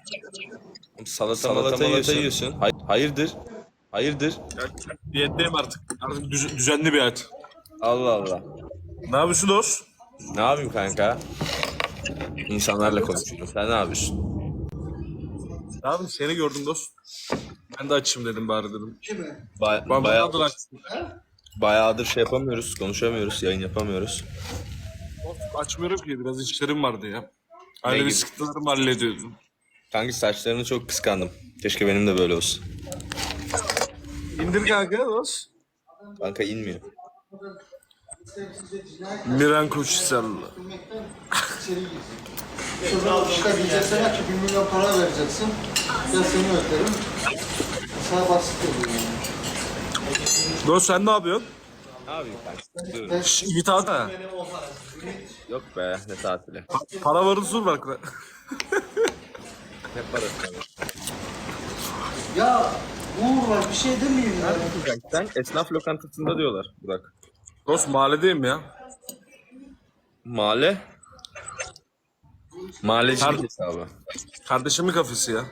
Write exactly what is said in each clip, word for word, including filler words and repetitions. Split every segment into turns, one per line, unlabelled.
Salata salata yiyorsun. yiyorsun. Hay- hayırdır? Hayırdır?
Diyetteyim artık. Artık düz- düzenli bir hayat.
Allah Allah.
Ne yapıyorsun dost?
Ne yapayım kanka? İnsanlarla konuşuyorum. Sen ne yapıyorsun?
Ne yapayım, seni gördüm dost. Ben de açayım dedim bari dedim.
Ba
Ben
bayağı,
bayağıdır açtım.
bayağıdır şey yapamıyoruz, konuşamıyoruz, yayın yapamıyoruz.
Açmıyorum ki, biraz işlerim vardı ya.
Ne
Ailevi
gibi?
sıkıntılarımı hallediyordum.
Kanka saçlarını çok kıskandım. Keşke benim de böyle olsun.
İndir kanka dost.
Kanka inmiyor.
Miran Koçhisarlı.
Sonra işte diyeceksin ki bir milyon para vereceksin. Ben seni öderim. Sana basit oluyor yani.
Dost sen ne yapıyorsun?
Ne yapayım kanka? Dur.
Şş, git at ha.
Yok be, ne tatili.
Para varı sur bak.
Ne parası?
Ya Uğur var bir şey demeyeyim ya.
Sen esnaf lokantasında diyorlar Burak.
Dost mahalledeyim ya.
Mahalle? Mahallecilik
Her-
hesabı.
Kardeşimin kafesi ya.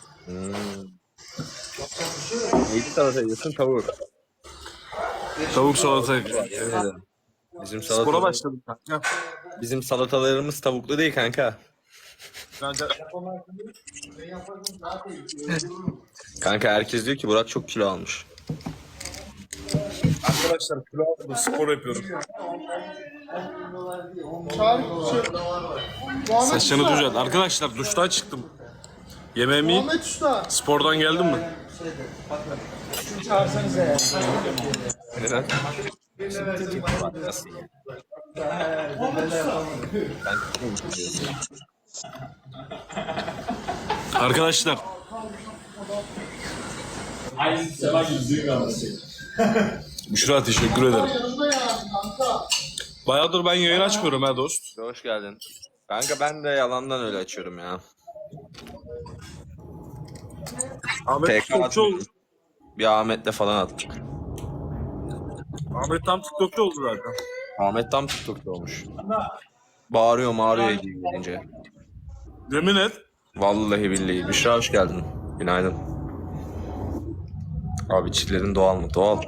Neydi salata yiyorsun? Tavuk.
Tavuk salata.
Bizim
Spora
salata,
başladım kanka.
bizim salatalarımız tavuklu değil kanka.
Bence
Ben yaparım daha da iyi. Öldürürüm.
Kanka herkes diyor ki Burak çok kilo almış.
arkadaşlar kilo aldım, spor yapıyorum. Saçını düzelt. Arkadaşlar duştan çıktım. Yemeğimi yiyip
Ahmet Usta.
spordan geldim mi?
Neden?
Arkadaşlar
Aynı sefer yüzüğü kalması.
Büşra teşekkür ederim.
Yanında ya kanka.
Bayağıdır ben yayın açmıyorum ha dost.
Hoş geldin. Kanka ben de yalandan öyle açıyorum ya.
Ahmet
P K
TikTokçu oldu.
atmışım. Bir Ahmet'le falan attık.
Ahmet tam TikTokçu oldu zaten.
Ahmet tam TikTok'ta olmuş. Bağırıyor mağırıyor hediye gelince.
Yemin et.
Vallahi billahi. Büşra hoş geldin. Günaydın. Abi çillerin doğal mı? Doğal.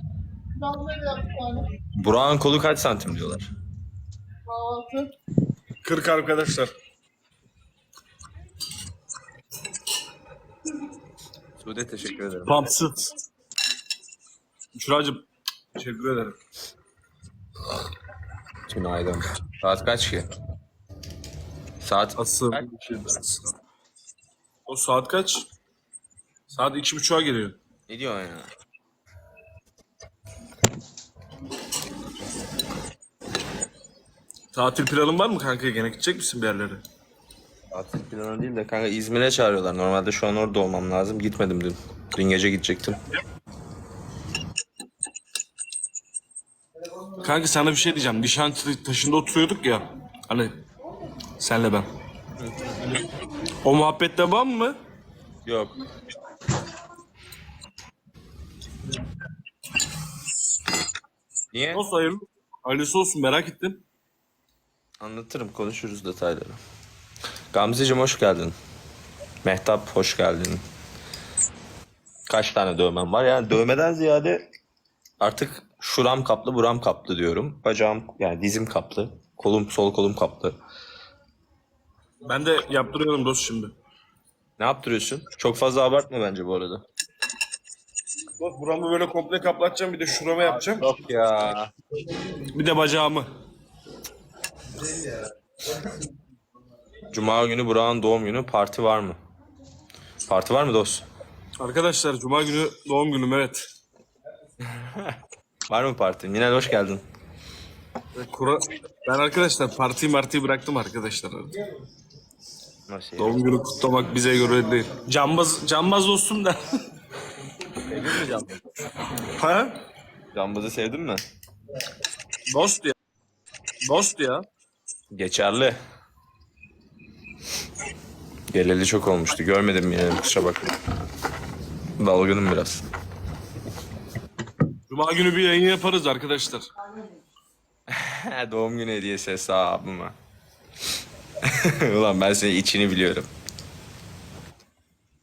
Burak'ın kolu kaç santim diyorlar.
kırk arkadaşlar.
Sude teşekkür ederim.
Pampsıt. Büşra'cığım teşekkür ederim.
Günaydın. Saat kaç ki? Saat
Asıl. O saat kaç? Saat iki buçuğa geliyor.
ne diyorsun ya?
Tatil planın var mı kanka? Gene gidecek misin bir yerlere?
Tatil planı değil de kanka İzmir'e çağırıyorlar. Normalde şu an orada olmam lazım. Gitmedim dün. Dün gece gidecektim.
Kanka sana bir şey diyeceğim. Nişantaşı taşında oturuyorduk ya. Hani senle ben. O muhabbet devam mı?
Yok. Niye?
Nasıl hayırlı? Hayırlısı olsun, merak ettim.
Anlatırım, konuşuruz detayları. Gamzeciğim hoş geldin. Mehtap hoş geldin. Kaç tane dövmem var? Yani dövmeden ziyade artık şuram kaplı, buram kaplı diyorum. Bacağım yani dizim kaplı. Kolum, sol kolum kaplı.
Ben de yaptırıyorum dost şimdi.
Ne yaptırıyorsun? Çok fazla abartma bence bu arada.
Dost buramı böyle komple kaplatacağım, bir de şurama yapacağım.
Yok ya.
Bir de bacağımı.
Cuma günü Burak'ın doğum günü, parti var mı? Parti var mı dost?
Arkadaşlar cuma günü doğum günüm, evet.
Var mı parti? Yine hoş geldin.
Kura... Ben arkadaşlar partiyi martiyi bıraktım arkadaşlar.
Nasıl ya?
Doğum günü kutlamak bize göre değil. Cambaz, cambaz dostum da.
Sevdin mi Cambaz'ı?
Ha?
Cambaz'ı sevdin mi?
Dost ya. Dost ya.
Geçerli. Geleli çok olmuştu. Görmedim yine, kusura bakma. Dalgınım biraz.
Cuma günü bir yayın yaparız arkadaşlar.
Doğum günü hediyesi hesabıma. Ulan ben senin içini biliyorum.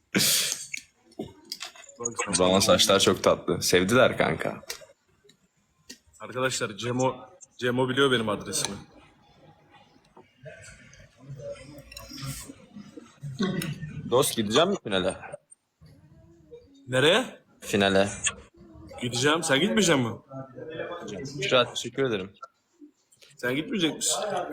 Bak,
Zaman saçlar çok tatlı. Sevdiler kanka.
arkadaşlar Cemo Cemo biliyor benim adresimi.
Dost gideceğim mi finale?
Nereye?
Finale.
Gideceğim. Sen gitmeyecek misin?
Şurat teşekkür ederim.
Sen gitmeyecek misin?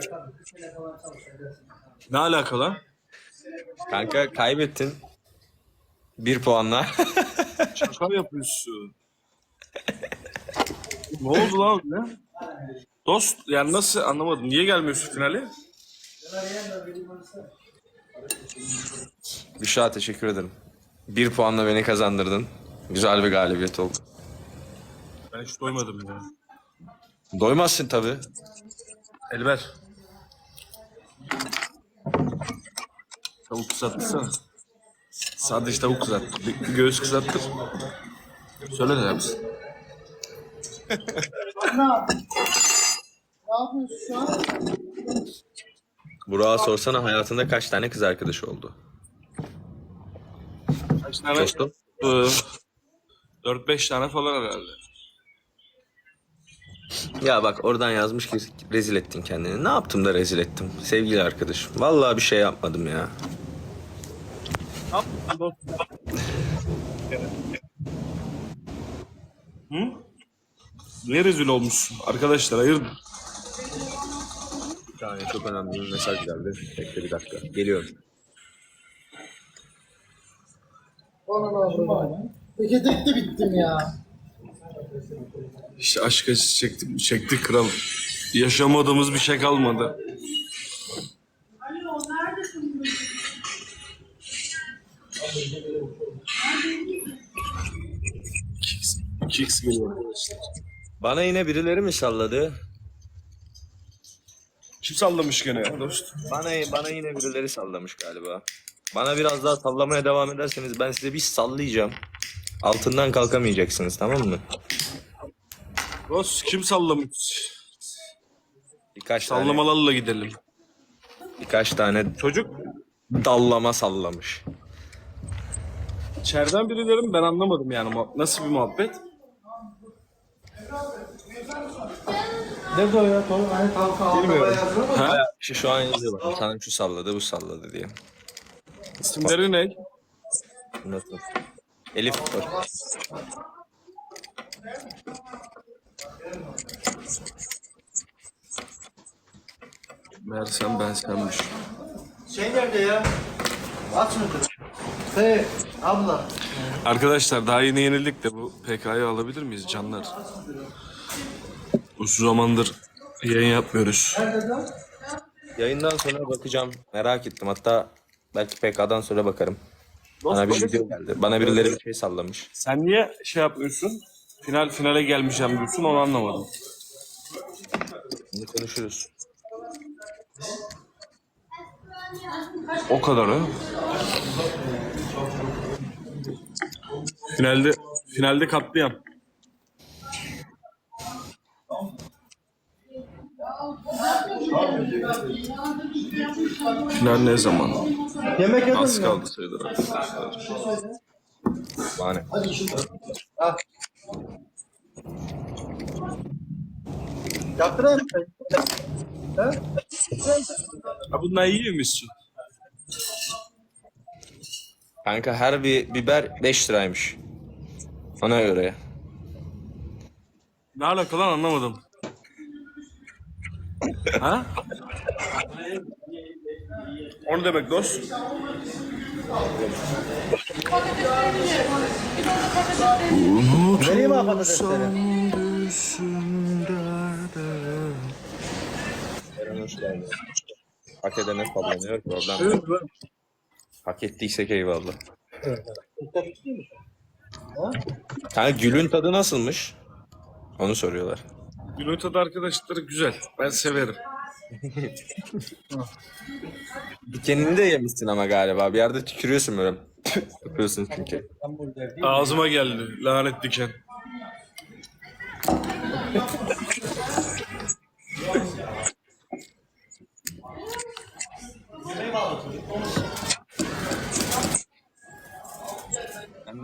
Ne alaka lan?
Kanka kaybettin. Bir puanla.
Şaka mı yapıyorsun? Ne oldu lan ne? Dost yani nasıl anlamadım. Niye gelmiyorsun finale?
Büşra teşekkür ederim. Bir puanla beni kazandırdın. Güzel bir galibiyet oldu.
Ben hiç doymadım ya.
Doymazsın tabii.
Elber. Tavuk kızartırsana. Sadece tavuk kızart. Bir, bir göğüs kızartır. Söyle ne yapsın?
Ne yapıyorsun şu an?
Burak'a sorsana hayatında kaç tane kız arkadaşı oldu?
Kaç tane?
Dostum.
dört beş tane falan herhalde.
Ya bak oradan yazmış ki rezil ettin kendini. Ne yaptım da rezil ettim sevgili arkadaşım. Vallahi bir şey yapmadım ya.
Hı? Niye rezil olmuşsun? Arkadaşlar hayırdır?
Bir tane çok önemli bir mesaj geldi. Bekle bir dakika. Geliyorum.
Bana ne oldu? Peki tek de bittim ya.
İşte aşk acısı çektik, çektik kral. Yaşamadığımız bir şey kalmadı. iki x iki x geliyor arkadaşlar.
Bana yine birileri mi salladı?
Kim sallamış gene ya dost?
Bana bana yine birileri sallamış galiba. Bana biraz daha sallamaya devam ederseniz ben size bir sallayacağım. Altından kalkamayacaksınız tamam mı?
Dost kim sallamış?
Birkaç tane
Sallamalarla gidelim.
birkaç tane
Çocuk
dallama sallamış.
içeriden birileri mi? Ben anlamadım yani. Muhab- Nasıl bir muhabbet?
Ne de o ya? Tamam, hani tavuk ağlamaya yazıyor mu?
Ha?
İşte şu an yazıyor bak. Sana şu salladı bu salladı diye.
İsimleri ne?
Nasıl? Elif var.
Meğersem ben senmiş.
Şey nerede ya? Aç mıdır? Hey abla.
Arkadaşlar daha yeni yenildik de bu P K'yı alabilir miyiz canlar? Uzun zamandır yayın yapmıyoruz.
Yayından sonra bakacağım. Merak ettim. Hatta belki P K'dan sonra bakarım. Bana bir video geldi. Bana birileri bir şey sallamış.
Sen niye şey yapıyorsun? Final finale gelmeyeceğim diyorsun onu anlamadım.
Bunu konuşuruz.
O kadar ha. Finalde finalde katliam. Final ne zaman?
Yemek yedin
Az
mi?
kaldı sayılır arkadaşlar.
Bana ne?
Al. Yaptırayım mı? Ha?
Ha bundan yiyor musun?
Kanka her bir biber beş liraymış. Ona göre.
Ne alaka lan anlamadım. Ha? O ne demek dost?
Vereyim mi patatesleri?
Eren hoş geldin. Hak edene sallanıyor. Problem yok. Hak ettiysek eyvallah. Kanka gülün tadı nasılmış? Onu soruyorlar.
Günün tadı arkadaşları güzel. Ben severim.
Dikenini de yemişsin ama galiba. Bir yerde tükürüyorsun böyle. Yapıyorsun çünkü.
Ağzıma geldi lanet diken.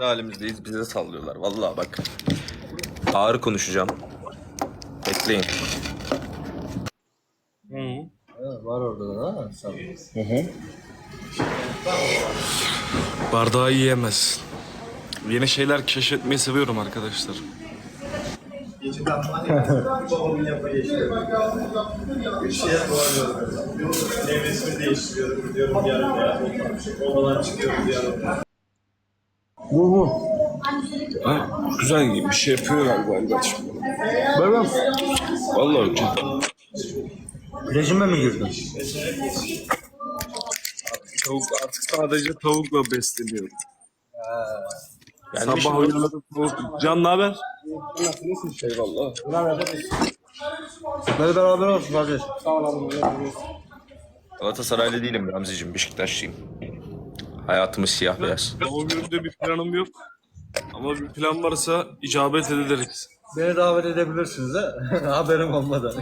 kendi halimizdeyiz. Bize sallıyorlar. Vallahi bak. Ağır konuşacağım. Bekleyin.
Evet, var orada da ha. Sağ ol.
Bardağı yiyemez. Yeni şeyler keşfetmeyi seviyorum arkadaşlar.
Nevresimi değiştiriyorum. Diyorum yarın ya. Odadan çıkıyorum yarın.
Ha, güzel bir şey yapıyor galiba İlgaç.
Böyle
Vallahi çok.
rejime mi girdin?
Tavuk, artık sadece tavukla besleniyorum.
Gelmiş
Sabah
mi?
uyanırım tavuk. Can ne haber? Eyvallah.
Böyle beraber olsun kardeş.
Galatasaraylı değilim Ramzi'cim. Beşiktaşlıyım. Hayatımız siyah beyaz.
Doğum günümde bir planım yok. Ama bir plan varsa icabet ediliriz.
Beni davet edebilirsiniz ha. Haberim olmadan.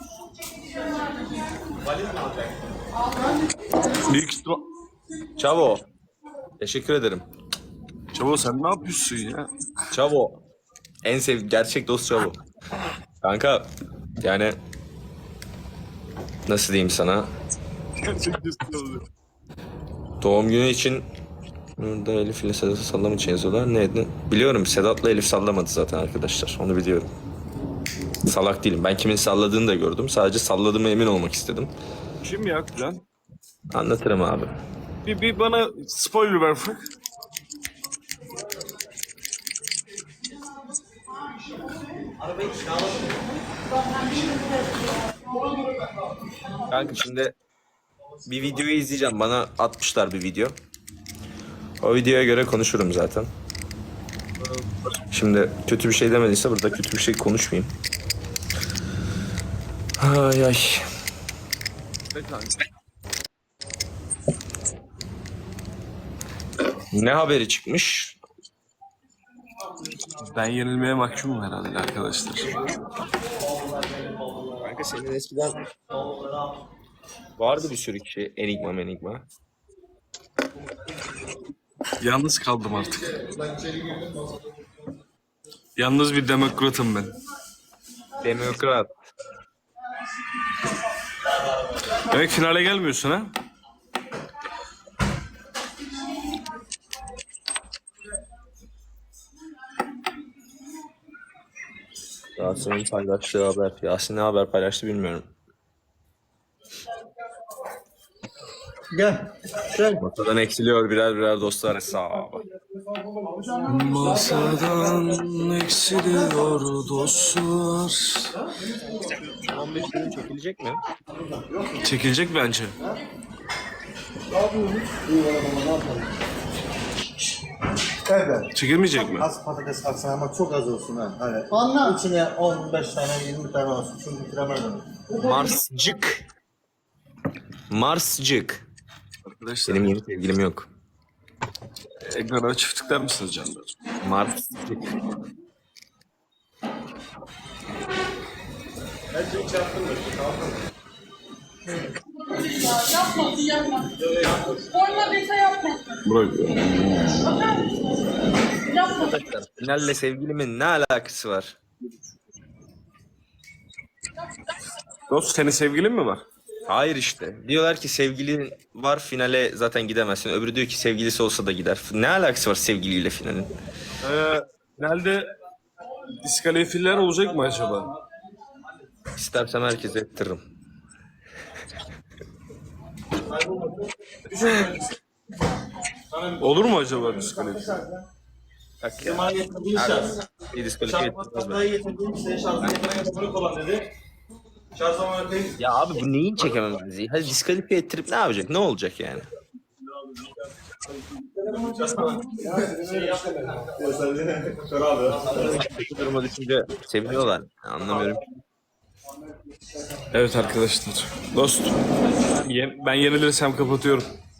Büyük ihtimal...
Çavo. Teşekkür ederim.
Çavo sen ne yapıyorsun ya?
Çavo. En sev gerçek dost Çavo. Kanka yani nasıl diyeyim sana?
Gerçekten oluyor.
Doğum günü için burada Elif ile Sedat'ı sallama için yazıyorlar. Neydi? Biliyorum Sedat'la Elif sallamadı zaten arkadaşlar. Onu biliyorum. Salak değilim. Ben kimin salladığını da gördüm. Sadece salladığıma emin olmak istedim.
Kim ya Can?
Anlatırım abi.
Bir, bir bana spoiler ver Frank.
Kanka şimdi bir videoyu izleyeceğim. Bana atmışlar bir video. O videoya göre konuşurum zaten. Şimdi kötü bir şey demediyse burada kötü bir şey konuşmayayım. Ay ay. Ne haberi çıkmış?
Ben yenilmeye mahkumum herhalde arkadaşlar.
Kanka senin eskiden vardı bir sürü kişi enigma menigma.
Yalnız kaldım artık. Yalnız bir demokratım ben.
Demokrat.
Demek finale gelmiyorsun ha?
Yasin'in paylaştığı haber. Yasin ne haber paylaştı bilmiyorum.
Gel. Gel.
Ortadan eksiliyor birer birer dostlar hesabı.
Masadan eksiliyor dostlar.
on beş bölüm çekilecek mi?
Çekilecek bence.
Evet.
Çekilmeyecek mi?
Az patates atsana ama çok az olsun ha. Hani. Anla. İçine on beş tane yirmi tane olsun. Şunu bitiremezdim.
Marscık. Marscık.
Arkadaşlar
Benim yeni sevgilim yok.
ekrana çift tıklar mısınız canlar?
Marscık.
Yapmasın yapmasın. Forma dese yapmasın.
Bırak.
Yapmasın.
Finalle sevgilimin ne alakası var?
Dost senin sevgilin mi var?
Hayır işte. Diyorlar ki sevgilin var finale zaten gidemezsin. Öbürü diyor ki sevgilisi olsa da gider. Ne alakası var sevgiliyle finalin?
Ee, finalde diskalifiyeler olacak mı acaba?
İstersem herkese ettiririm.
Olur mu acaba diskalifiye?
Bak ya. Bir diskalifiye ettirmez beni.
getirdim. Senin şarjını getirmeye olan dedi. Şarj zamanı koyayım.
Ya abi bu neyin çekememezliği? Hadi diskalifiye ettirip ne yapacak? Ne olacak yani?
Kör abi.
Kötü duruma düşünce seviniyorlar. Anlamıyorum.
Evet arkadaşlar. Dost. ye- Ben yenilirsem kapatıyorum.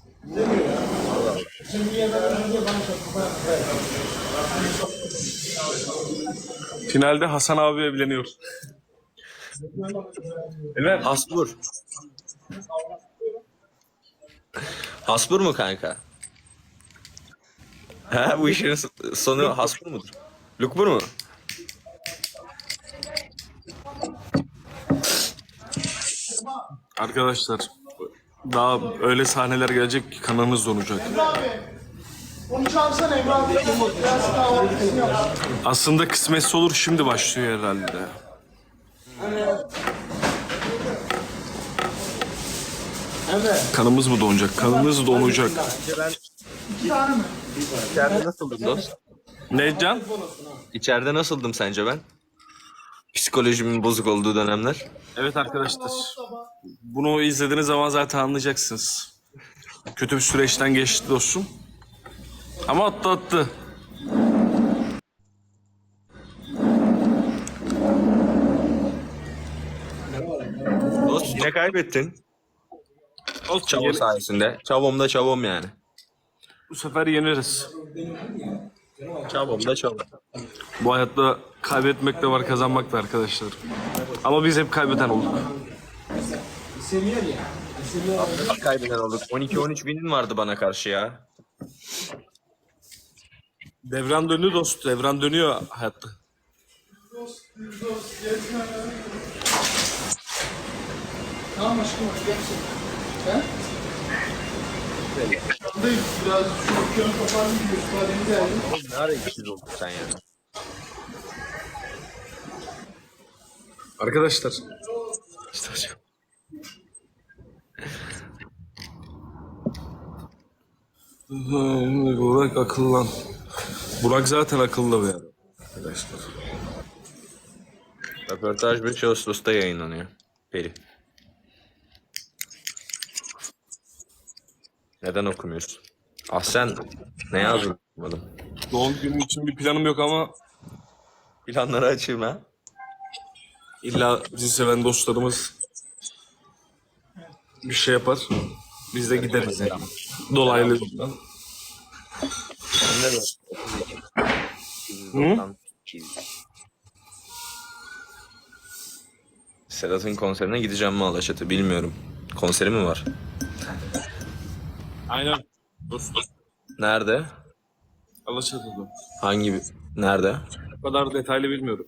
Finalde Hasan abi evleniyor. Evet.
Hasbur. Hasbur mu kanka? Ha, bu işin sonu Hasbur mudur? Lukbur mu?
Arkadaşlar daha öyle sahneler gelecek ki kanınız donacak.
Onu çağırsana Emre abi. Gelsin kahvaltısını yap.
Aslında kısmetse olur şimdi başlıyor herhalde.
Evet.
Kanımız mı donacak? Kanınız donacak.
İki tane mi?
İçeride nasıldım dost?
Ne Can?
İçeride nasıldım sence ben? Psikolojimin bozuk olduğu dönemler.
Evet arkadaşlar. Bunu izlediğiniz zaman zaten anlayacaksınız. Kötü bir süreçten geçti dostum. Ama atlattı.
Dost yine kaybettin.
Olsun,
Çavo
yeni-
sayesinde. Çavom da çavom yani.
bu sefer yeniriz.
Çavom da çavom.
Bu hayatta kaybetmek de var, kazanmak da arkadaşlar. Ama biz hep kaybeden olduk.
Kaybeden olduk. on iki on üç winin vardı bana karşı ya.
Devran dönüyor dost, devran dönüyor hayatta.
Tamam aşkım hadi gelsin. He? Yandayım. Biraz şu okyanus toparlayayım diyor. Müsaadeni geldim.
Oğlum ne ara ikisiz olduk sen ya.
Arkadaşlar,
İşte hocam.
Burak akıllan. Burak zaten akıllı bir adam. Arkadaşlar.
Röportaj beş Ağustos'ta yayınlanıyor. Peri. Neden okumuyorsun? Ah sen ne yazmadın?
Doğum günüm için bir planım yok ama
Planları açayım ha.
illa bizi seven dostlarımız bir şey yapar. Biz de gideriz yani. Dolaylı yoldan.
Sen de
Hı?
Sedat'ın konserine gideceğim mi Alaşat'a bilmiyorum. Konseri mi var?
Aynen. Dostum.
Nerede?
Alaçatı'da.
Hangi bir... Nerede?
O kadar detaylı bilmiyorum.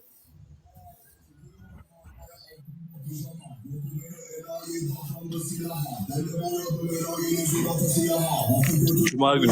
Cuma günü.